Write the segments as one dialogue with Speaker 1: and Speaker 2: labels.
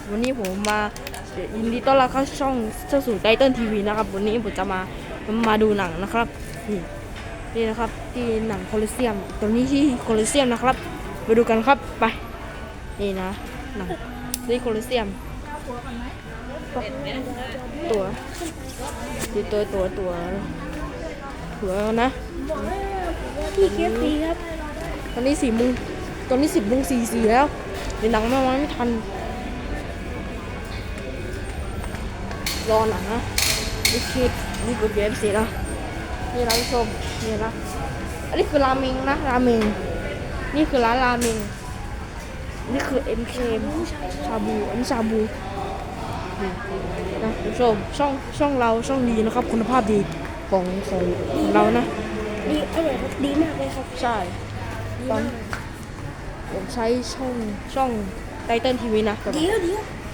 Speaker 1: วันนี้ผมมายินดีต้อนรับเข้าช่องสู่ไตเติ้ลทีวีนะครับวันนี้ผมจะมาดูหนังนะครับนี่นะครับที่หนังโคลอสเซียมตรงนี้ที่โคลอสเซียมนะครับไปดูกันครับไปนี่นะหนังที่โคลอสเซียมตัวนะ
Speaker 2: พี่เคฟซีครับ
Speaker 1: ตอนนี้4 โมงตอนนี้10 โมง 44แล้วเดี๋ยวหนังมาไม่ทันรอหนังนะนี่คือนี่กดเว็บสิแล้วนี่ร้านชมนี่นะอันนี้คือราเมงนะราเมงนี่คือร้านราเมงนี่คือ MK ชาบูอันนี้ชาบูนะผู้ชมช่องเราช่องดีนะครับคุณภาพดีของเรานะ
Speaker 2: ดีอร่อยครับดีมากเลยครับ
Speaker 1: ใช่ตอนผมใช้ช่องไตเติ้ลทีวีนะ
Speaker 2: เดี๋ยว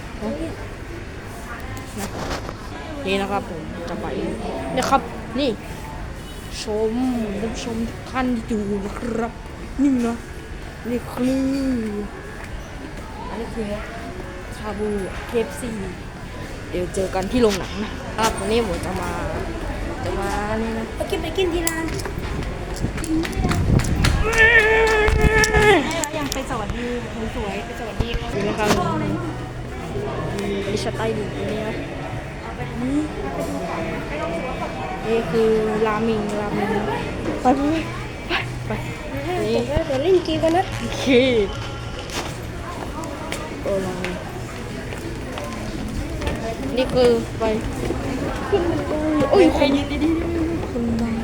Speaker 1: นี่นะครับผมจะไปนะครับนี่ชมท่านชมทุกท่านที่ดูนะครับนี่นะนี่คืออันนี้คือชาบู KFC เดี๋ยวเจอกันที่โรงหนังนะครับวันนี้ผมจะมานี่นะ
Speaker 2: ไปกินที่ร้านยังไปสวัสดีสวยไปสวัสดีเขา
Speaker 1: นี่นะครับมีสไตล์ดีนี่นะนี่คือราเมงไปนี่
Speaker 2: เดี๋ยวเล่นเกมกันนะ
Speaker 1: โอเคนี่คือไปโอ้ยคนดีคนดัง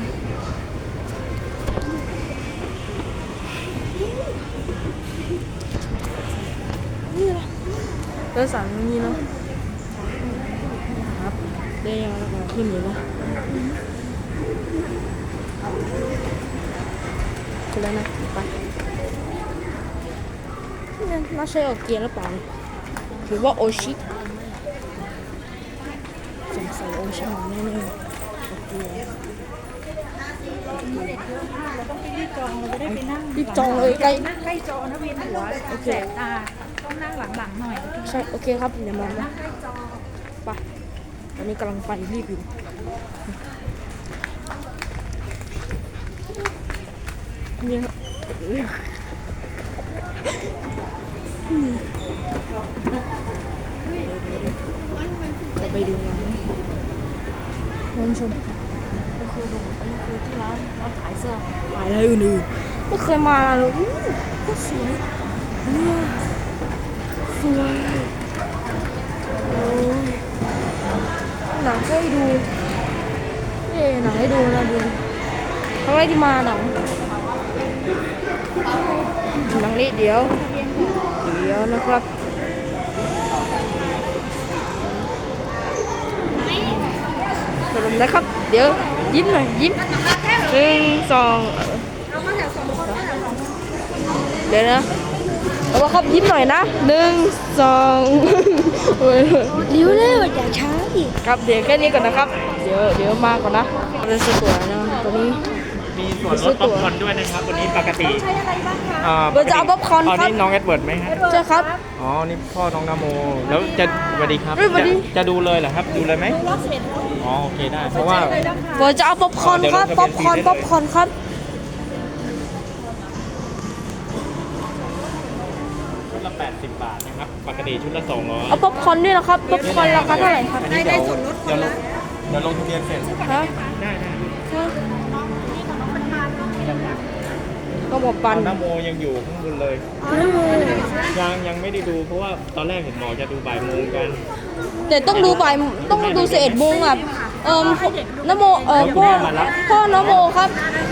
Speaker 1: นี่ละเดินสั่งนี่เนาะครับได้ยังแล้วก็ขึ้นอยู่นะขึ้นแล้วนะไปน่าใช่โอเกียนหรือเปล่าหรือว่าโอชิสงสัยโอชิแน่ๆโอเกีย
Speaker 2: เราต้องไปรีบจองเราจะได้ไปนั่ง
Speaker 1: รีบจองเลยใกล้
Speaker 2: นั่งใกล้จอนะเวียนหัวแสบตาต้องนั่งหลังๆหน่อย
Speaker 1: ใช่โอเคครับเดี๋ยวมานะไปตอนนี้กำลังไปรีบอยู่นี่ครับจะไปดูงานท่านชมก็คือดูอันนี้คือที่ร้านขายเสื้อขายอะไรอื่นๆไม่เคยมาเลยก็สวยเนี่ยสวยโอ้ยหนังให้ดูหนังให้ดูนะดูครั้งแรกที่มาหนังนี้เดี๋ยวนะครับสรุปนะครับเดี๋ยวยิ้มหน่อยยิ้ม1 2เดี๋ยวนะเอาละครับยิ้มหน่อยนะ1 2
Speaker 2: เร็วอย่าช้าดิ
Speaker 1: ครับเดี๋ยวแค่นี้ก่อนนะครับเดี๋ยวมาก่อนนะเราซื้อตั๋วนะตอนนี้
Speaker 3: มีส่วนลดป๊อปคอร์นด้วยนะครับวันนี้ปกติ
Speaker 1: เราจะเอาป๊อปคอร์นครับ
Speaker 3: นี่น้องเอ็ดเวิร์ดไหมครับ
Speaker 1: ใช่ครับ
Speaker 3: อ๋อนี่พ่อน้องนโมแล้วจะสวัสดีครับจะดูเลยเหรอครับดูเลยไหมอ๋อโอเคได้เพราะว่า
Speaker 1: เราจะเอาป๊อปคอร์นครับป๊อปคอร์นครับ
Speaker 3: ชุดละ80 บาทนะครับปกติชุดละ200
Speaker 1: เอาป๊อปคอร์นด้วยนะครับป๊อปคอร์นราคาเท่าไหร่ครับ
Speaker 3: ได้ส่วนลดเดี๋ยวลงทะเบียนเสร็จ
Speaker 1: ครับ
Speaker 3: ได้
Speaker 1: ก็บอกปัน
Speaker 3: นโมยังอยู่ข้างบนเลยยังไม่ได้ดูเพราะว่าตอนแรกเห็นหมอจะดูบ่ายโมงกัน
Speaker 1: แต่ต้องดู11 โมงอ่ะนโมพ่อนโมครับ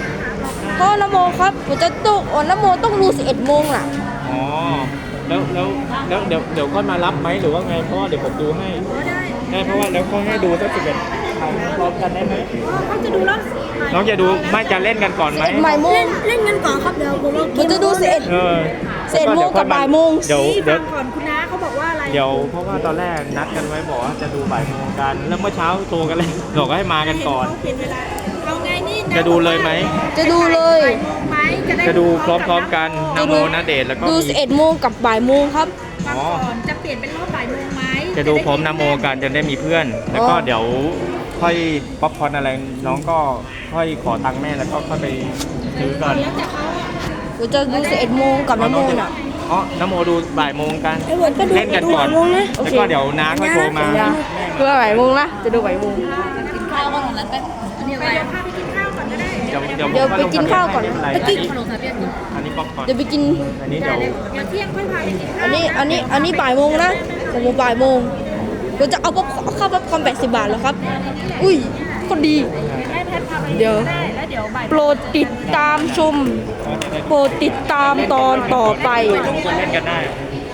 Speaker 1: ผมจะต้องนโมต้องดู11 โมงอ่ะ
Speaker 3: อ๋อแล้วเดี๋ยวค่อยมารับไหมหรือว่าไงเพราะว่าเดี๋ยวผมดูให้ได้เพราะว่าแล้วเขาให้ดูสัก11พร้อมกันได้ไหม
Speaker 2: เขาจะดูแล้ว
Speaker 3: น้องจะดูไม่จะเล่นกันก่อนไหม
Speaker 1: บ่ายโมง
Speaker 2: เล่นกันก่อนครับเดี๋ยว
Speaker 1: ผมจะดู11 โมงกับบ่ายโมง
Speaker 2: เดี๋ยวก่อนคุณน้าเขาบอกว่าอะไร
Speaker 3: เดี๋ยวเพราะว่าตอนแรกนัดกันไว้บอกว่าจะดูบ่ายโมงกันแล้วเมื่อเช้าโทรกันเลยบอกให้มากันก่อน
Speaker 2: เอาไงนี่
Speaker 3: จะดูเลยไหม
Speaker 1: จะดูเลย
Speaker 3: จะดูพร้อมๆกันนโมณเดชน์แล้วก็
Speaker 1: ดู11 โมงกับบ่ายโมงครับ
Speaker 2: ก่อนจะเปลี่ยนเป็นรอบบ่ายโมง
Speaker 3: จะดูพร้อมนโมกันจะได้มีเพื่อน แล้วก็เดี๋ยวค่อยป๊อปคอร์นอะไรน้องก็ค่อยขอตังค์แม่แล้วก็ค่อยไปซื้อกัน
Speaker 1: เราจะดู11 โมงกับน้ำโมนอ่ะ
Speaker 3: อ๋อนโมดูบ่ายโมงกัน
Speaker 1: ไอ้วันก็ดู
Speaker 3: เล่นกันก่อน
Speaker 1: ดูบ่ายโมงนะโอ
Speaker 3: แล้ว
Speaker 1: เค
Speaker 3: ก็เดี๋ยวน้าค่อยโทรมา
Speaker 1: ดูบ่ายโมงนะจะดูบ่ายโมง
Speaker 2: กินข้าวก็ตรงนั้นไปเดี๋ยวพาไปกินข้าวก่อนก็ได้
Speaker 3: เดี๋ยว
Speaker 1: เดี๋ยวไปกินข้าวก่อน
Speaker 3: ไม่เป็ไร
Speaker 1: ตะกี้
Speaker 2: ขนมสามเปียก
Speaker 3: อันนี้ป๊อปคอร์น
Speaker 1: เดี๋ยวไปกิน
Speaker 3: อันนี้เดี๋ยว
Speaker 2: เดี๋ยวเที่ยงค่อยพาไปกินข้าว
Speaker 1: อันนี้บ่ายโมงนะผมบ่ายโมงเราจะเอาข้าวป๊อปคอร์น80 บาทแล้วครับ อุ้ยก็ดี
Speaker 2: ให้แพทพาไป
Speaker 1: เดี๋ยว
Speaker 2: ได้แล้วเดี๋ยวบ่าย
Speaker 1: โปรดติดตามชม โปรดติดตามตอนต่อไป
Speaker 3: ลงกันเล่นกันได้